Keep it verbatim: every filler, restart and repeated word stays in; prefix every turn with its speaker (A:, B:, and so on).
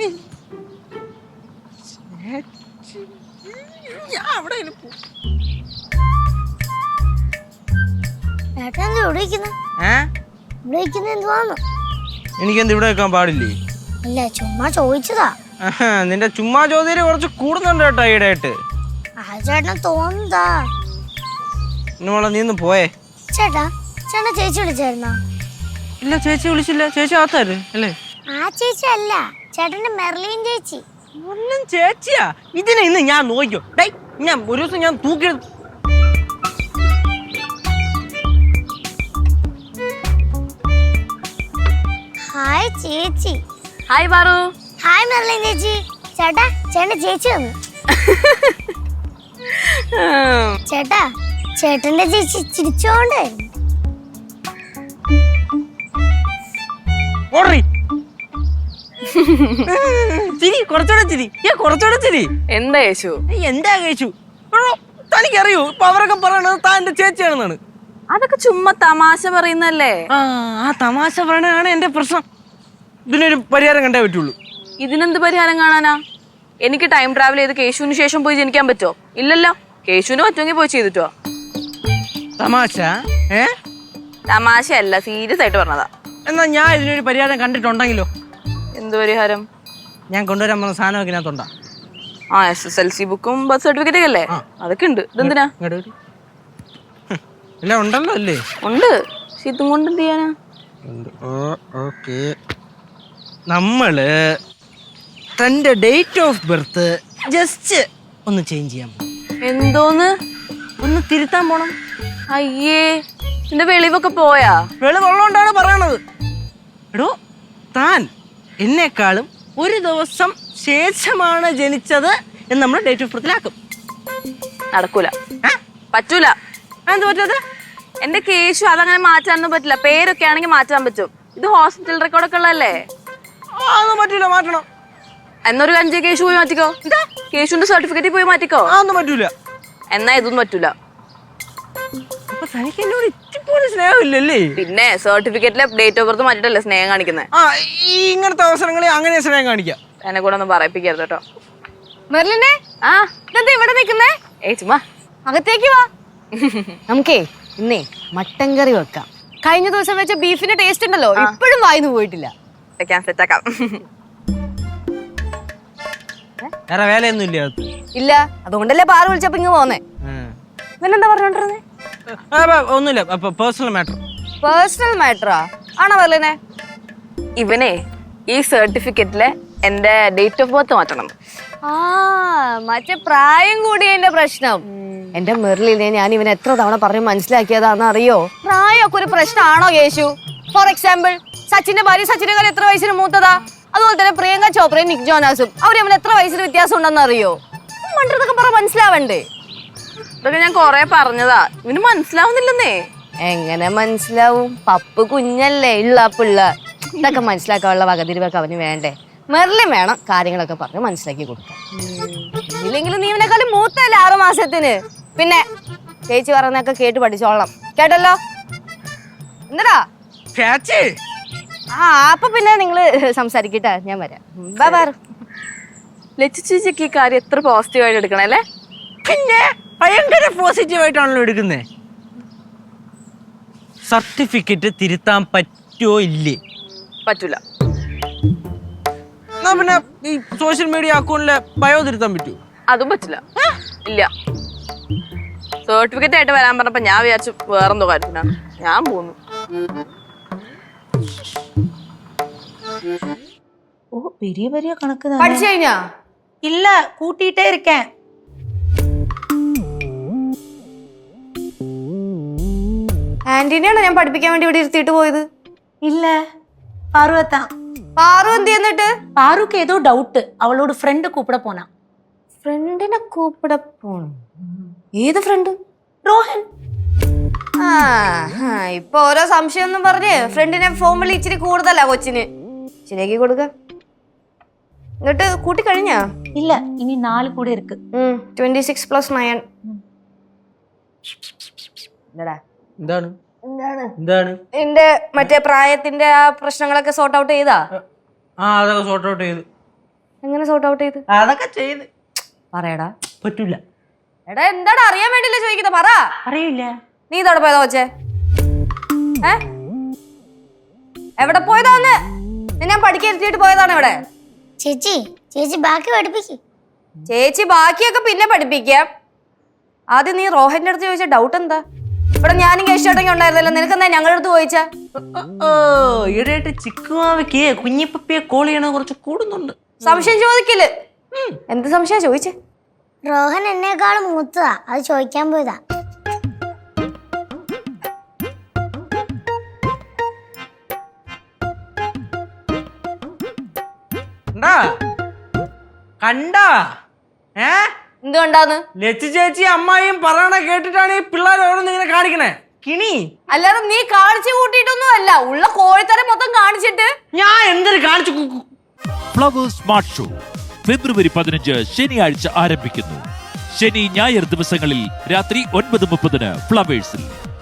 A: എനിക്കെന്ത് ഇവിടെ വെക്കാൻ പാടില്ലേ?
B: അല്ല, ചുമ്മാ ചോദിച്ചതാ.
A: നിന്റെ ചുമ്മാ ചോദ്യം കുറച്ച് കൂടുന്നുണ്ട് കേട്ടോ ഈടായിട്ട്.
B: ചേട്ടൻ തോന്നുന്നതാ.
A: മോളെ നീ ഒന്ന് പോയേ.
B: ചേട്ടാ ചേട്ടൻ ചേച്ചി വിളിച്ചായിരുന്നോ?
A: ഇല്ല, ചേച്ചി വിളിച്ചില്ല. ചേച്ചി ആത്താര് അല്ലേ?
B: ആ ചേച്ചി അല്ല, ചേട്ടന്റെ മെർലിൻ ചേച്ചി.
A: ഒന്നും ചേച്ചിയാ ഇതിനെ ഇന്ന് ഞാൻ നോക്കിയോ. ഞാൻ ഒരു ദിവസം ഞാൻ തൂക്കി.
B: ഹായ് ചേച്ചി.
C: ഹായ് പാറു.
B: ഹായ് മെർലിൻ ചേച്ചി. ചേട്ടാ ചേട്ടന്റെ ചേച്ചി വന്നു. ചേട്ടാ ചേട്ടന്റെ ചേച്ചി ചിരിച്ചോണ്ടായിരുന്നു.
A: ചിരി കുറച്ചുകൂടെ ചിരി കുറച്ചുകൂടെ ചിരി.
C: എന്താ യേശു?
A: എന്താ കേശു? തനിക്കറിയോ ഇപ്പൊ അവരൊക്കെ പറയണത് താൻ എന്റെ ചേച്ചിയാണെന്നാണ്.
C: അതൊക്കെ ചുമ്മാ തമാശ പറയുന്നല്ലേ.
A: ആ ആ തമാശ പറയണതാണ് എന്റെ പ്രശ്നം. ഇതിനൊരു പരിഹാരം കണ്ടേ പറ്റുള്ളൂ.
C: ഇതിനെന്ത് പരിഹാരം കാണാനാ? എനിക്ക് ടൈം ട്രാവൽ ചെയ്ത് കേശുവിന് ശേഷം പോയി ജനിക്കാൻ പറ്റോ? ഇല്ലല്ലോ. കേശുവിന് പറ്റുമെങ്കിൽ പോയി ചെയ്തിട്ടോ.
A: തമാശ ഏ
C: തമാശയല്ല, സീരിയസ് ആയിട്ട് പറഞ്ഞതാ.
A: എന്നാ ഞാൻ ഇതിനൊരു പരിഹാരം കണ്ടിട്ടുണ്ടെങ്കിലോ?
C: എന്ത് പരിഹാരം?
A: ഞാൻ കൊണ്ടുവരാൻ പോകുന്ന സാധനമൊക്കെ ഇതിനകത്തുണ്ടാ.
C: ആ എസ് എസ് എൽ സി ബുക്കും ബർത്ത് സർട്ടിഫിക്കറ്റ് ഒക്കെ അല്ലേ? അതൊക്കെ ഉണ്ട്. ഇതെന്തിനാ?
A: എല്ലാം ഉണ്ടല്ലോ അല്ലേ?
C: ഉണ്ട്. പക്ഷെ ഇതും കൊണ്ട് എന്ത് ചെയ്യാനാ?
A: നമ്മള് തന്റെ ഡേറ്റ് ഓഫ് ബർത്ത് ജസ്റ്റ് ഒന്ന് ചേഞ്ച് ചെയ്യാൻ പോകും.
C: എന്തോന്ന്?
A: ഒന്ന് തിരുത്താൻ പോണം.
C: അയ്യേ, നിന്റെ വെളിവൊക്കെ പോയാ?
A: വെളിവുള്ളോണ്ടാണ് പറയണത്. എടോ, താൻ എന്നെക്കാളും ഒരു ദിവസം ശേഷമാണ് ജനിച്ചത് എന്ന് നമ്മൾ ഡേറ്റ് ഓഫ് ബർത്തിലാക്കും.
C: നടക്കൂല, പറ്റൂല.
A: എന്ത് പറ്റത്?
C: എന്റെ കേശു അതങ്ങനെ മാറ്റാനൊന്നും പറ്റില്ല. പേരൊക്കെ ആണെങ്കിൽ മാറ്റാൻ പറ്റും. ഇത് ഹോസ്പിറ്റൽ റെക്കോർഡൊക്കെ ഉള്ളതല്ലേ?
A: അതൊന്നും പറ്റൂല, മാറ്റണം.
C: എന്നൊരു അഞ്ച് കേശു പോയി മാറ്റിക്കോ. എന്താ കേശുവിന്റെ സർട്ടിഫിക്കറ്റ് പോയി മാറ്റിക്കോ.
A: അതൊന്നും പറ്റൂല.
C: എന്നാ ഇതൊന്നും പറ്റൂല.
A: തനിക്ക് എന്നോട് ഇച്ചിപ്പോലും സ്നേഹമില്ലല്ലേ?
C: പിന്നെ സർട്ടിഫിക്കറ്റിലെ ഡേറ്റ് ഓഫ് ബർത്ത് മാറ്റിട്ടല്ലേ സ്നേഹം കാണിക്കുന്നത്.
A: ആ ഇങ്ങനത്തെ അവസരങ്ങളിൽ അങ്ങനെ സ്നേഹം കാണിക്കാം.
C: എന്നെ കൂടെ ഒന്നും പറയിപ്പിക്കരുത് കേട്ടോ.
D: മെർലിനെ,
C: ആ
D: ഇതെന്താ ഇവിടെ നിൽക്കുന്നേ?
C: ഏ ചുമ്മാ
D: അകത്തേക്ക് വാ. നമുക്കേ ഇന്നേ മട്ടൻ കറി വെക്കാം. കഴിഞ്ഞ ദിവസം വെച്ച ബീഫിന്റെ ടേസ്റ്റ് ഉണ്ടല്ലോ, ഇപ്പോഴും വായിന്ന് പോയിട്ടില്ല.
C: സെറ്റാക്കാം.
A: വേറെ വേലയൊന്നും ഇല്ല.
D: ഇല്ല, അതുകൊണ്ടല്ലേ പാറ് വിളിച്ചപ്പോ ഇങ്ങ് പോന്നേ. ഇവനെന്താ പറഞ്ഞോണ്ടിരുന്നേ?
A: ഒന്നുമില്ല, പേഴ്സണൽ മാറ്റർ.
D: പേഴ്സണൽ മാറ്ററാ? ആണോ മെർലിനെ?
C: ഇവനെ ഈ സർട്ടിഫിക്കറ്റിലെ എന്റെ ഡേറ്റ് ഓഫ് ബർത്ത് മാറ്റണം.
D: ആ മറ്റേ പ്രായം കൂടിയതിന്റെ പ്രശ്നം. എന്റെ മെർലിനെ ഞാൻ ഇവൻ എത്ര തവണ പറഞ്ഞ് മനസ്സിലാക്കിയതാന്ന് അറിയോ? പ്രായമൊക്കെ ഒരു പ്രശ്നമാണോ യേശു? ഫോർ എക്സാമ്പിൾ, സച്ചിന്റെ ഭാര്യ സച്ചിനേക്കാൾ എത്ര വയസ്സിന് മൂത്തതാ? അതുപോലെ തന്നെ പ്രിയങ്ക ചോപ്രയും നിക് ജോനാസും അവർ തമ്മിൽ എത്ര വയസ്സിന് വ്യത്യാസം ഉണ്ടെന്ന് അറിയോ? മണ്ടൊക്കെ പറ, മനസ്സിലാവണ്ടേ?
C: ഇതൊക്കെ ഞാൻ കൊറേ പറഞ്ഞതാ, ഇവന് മനസ്സിലാവുന്നില്ലെന്നേ.
D: എങ്ങനെ മനസ്സിലാവും? പപ്പ് കുഞ്ഞല്ലേ, ഉള്ള പിള്ള. ഇതൊക്കെ മനസ്സിലാക്കാനുള്ള വകതിരിവൊക്കെ അവന് വേണ്ടേ? മെർലിൻ വേണം കാര്യങ്ങളൊക്കെ പറഞ്ഞ് മനസ്സിലാക്കി കൊടുക്കാം. ഇല്ലെങ്കിലും നീ ഇവനെക്കാളും മൂത്തല്ലേ ആറു മാസത്തിന്. പിന്നെ ചേച്ചി പറഞ്ഞൊക്കെ കേട്ട് പഠിച്ചോളണം, കേട്ടല്ലോ? എന്താ ആ അപ്പൊ പിന്നെ നിങ്ങള് സംസാരിക്കട്ടെ, ഞാൻ വരാം.
C: ലച്ചു ചേച്ചിക്ക് ഈ കാര്യം എത്ര പോസിറ്റീവായിട്ട് എടുക്കണല്ലേ?
A: പിന്നെ ഭയങ്കര പോസിറ്റീവായിട്ടാണല്ലോ എടുക്കുന്നേ. സർട്ടിഫിക്കറ്റ് തിരുത്താൻ പറ്റുമോ ഇല്ലേ?
C: പറ്റൂല.
A: എന്നാ പിന്നെ ഈ സോഷ്യൽ മീഡിയ അക്കൗണ്ടിലെ ബയോ തിരുത്താൻ പറ്റുമോ?
C: അതും പറ്റില്ല. ഇല്ല. സർട്ടിഫിക്കറ്റ് ആയിട്ട് വരാൻ പറഞ്ഞപ്പോ ഞാൻ വിചാരിച്ചു വേറെന്തോ കാര്യത്തിനാണ്. ഞാൻ പോന്നു.
E: ഓ பெரிய பெரிய கணக்கு தான்.
D: പഠിച്ചു കഴിഞ്ഞാ?
E: இல்ல, கூட்டிட்டே இருக்கேன்.
D: ആന്റീനെയാണോ ഞാൻ പഠിപ്പിക്കാൻ വേണ്ടി ഇവിടെ ഇരുത്തിയിട്ട് പോയത്?
E: இல்ல, பார்வதான்.
D: പാറു എന്ത് എന്നിട്ട്?
E: பாருக்கு ஏதோ டவுட், அவளோட ஃப்ரெண்ட் கூப்பிட போனா.
D: ഫ്രണ്ടിനെ കൂപ്പിട പോണം? ഏത് ഫ്രണ്ട്?
E: ரோஹன்.
D: ആ ഇപ്പൊ ഓരോ സംശയം ഒന്നും പറഞ്ഞ് ഫ്രണ്ടിനെ ഫോൺ വിളി ഇച്ചിരി കൂടുതലാ കൊച്ചിന്. ശരിയാക്കി കൊടുക്ക. എന്നിട്ട് കൂട്ടി കഴിഞ്ഞാ?
E: இல்ல, இனி நாலு கூட இருக்கு.
D: Twenty six plus nine.
A: എന്താണ് എന്താണ്
D: എന്റെ മറ്റേ പ്രായത്തിന്റെ ആ പ്രശ്നങ്ങളൊക്കെ സോർട്ട് ഔട്ട് ചെയ്താ?
A: ആ അതൊക്കെ സോർട്ട് ഔട്ട് ചെയ്തു.
D: എങ്ങനെ സോർട്ട് ഔട്ട് ചെയ്ത്?
A: അതൊക്കെ ചെയ്ത്
D: പറയടാ.
A: പറ്റൂല.
D: എടാ എന്താടാ അറിയാൻ വേണ്ടിയില്ല ചോദിക്കുന്നത്, പറ.
A: അറിയില്ല.
D: നീ ഇതോടെ പോയതാ കൊച്ചേ? ഏ എവിടെ പോയതാന്ന്? ഞാൻ പഠിക്കാൻ പോയതാണ് ഇവിടെ.
B: ചേച്ചി ചേച്ചി ബാക്കി പഠിപ്പിക്കും.
D: ചേച്ചി ബാക്കിയൊക്കെ പിന്നെ പഠിപ്പിക്കാം. ആദ്യം നീ റോഹന്റെ അടുത്ത് ചോദിച്ച ഡൗട്ട് എന്താ? ഇവിടെ ഞാനും കേശോട്ടൊക്കെ ഉണ്ടായിരുന്നല്ലോ, നിനക്കെന്താ ഞങ്ങളുടെ അടുത്ത് ചോദിച്ചാ?
A: ഓ ഈടായിട്ട് ചിക്കുമാവയ്ക്ക് കുഞ്ഞിപ്പപ്പിയെ കോൾ ചെയ്യണത് കുറച്ച് കൂടുന്നുണ്ട്.
D: സംശയം ചോദിക്കില്ല. എന്ത് സംശയം ചോദിച്ചേ?
B: റോഹൻ എന്നെക്കാളും മൂത്തതാ, അത് ചോദിക്കാൻ പോയതാ.
A: കണ്ടാ? ഏ
D: എന്തുകൊണ്ടാന്ന്?
A: ലച്ചു ചേച്ചി അമ്മായിയും പറയണ കേട്ടിട്ടാണ് ഈ പിള്ളേർ ഓരോന്ന് ഇങ്ങനെ കാണിക്കണേ. കിണി
D: അല്ലാതെ നീ കാണിച്ചു കൂട്ടിയിട്ടൊന്നും അല്ല, ഉള്ള കോഴിത്തരം മൊത്തം കാണിച്ചിട്ട്.
A: ഞാൻ എന്തൊരു കാണിച്ചു.
F: ഫ്ലവേഴ്സ് സ്മാർട്ട് ഷോ ഫെബ്രുവരി പതിനഞ്ച് ശനിയാഴ്ച ആരംഭിക്കുന്നു. ശനി ഞായർ ദിവസങ്ങളിൽ രാത്രി ഒൻപത് മുപ്പതിന് ഫ്ലവേഴ്സിൽ.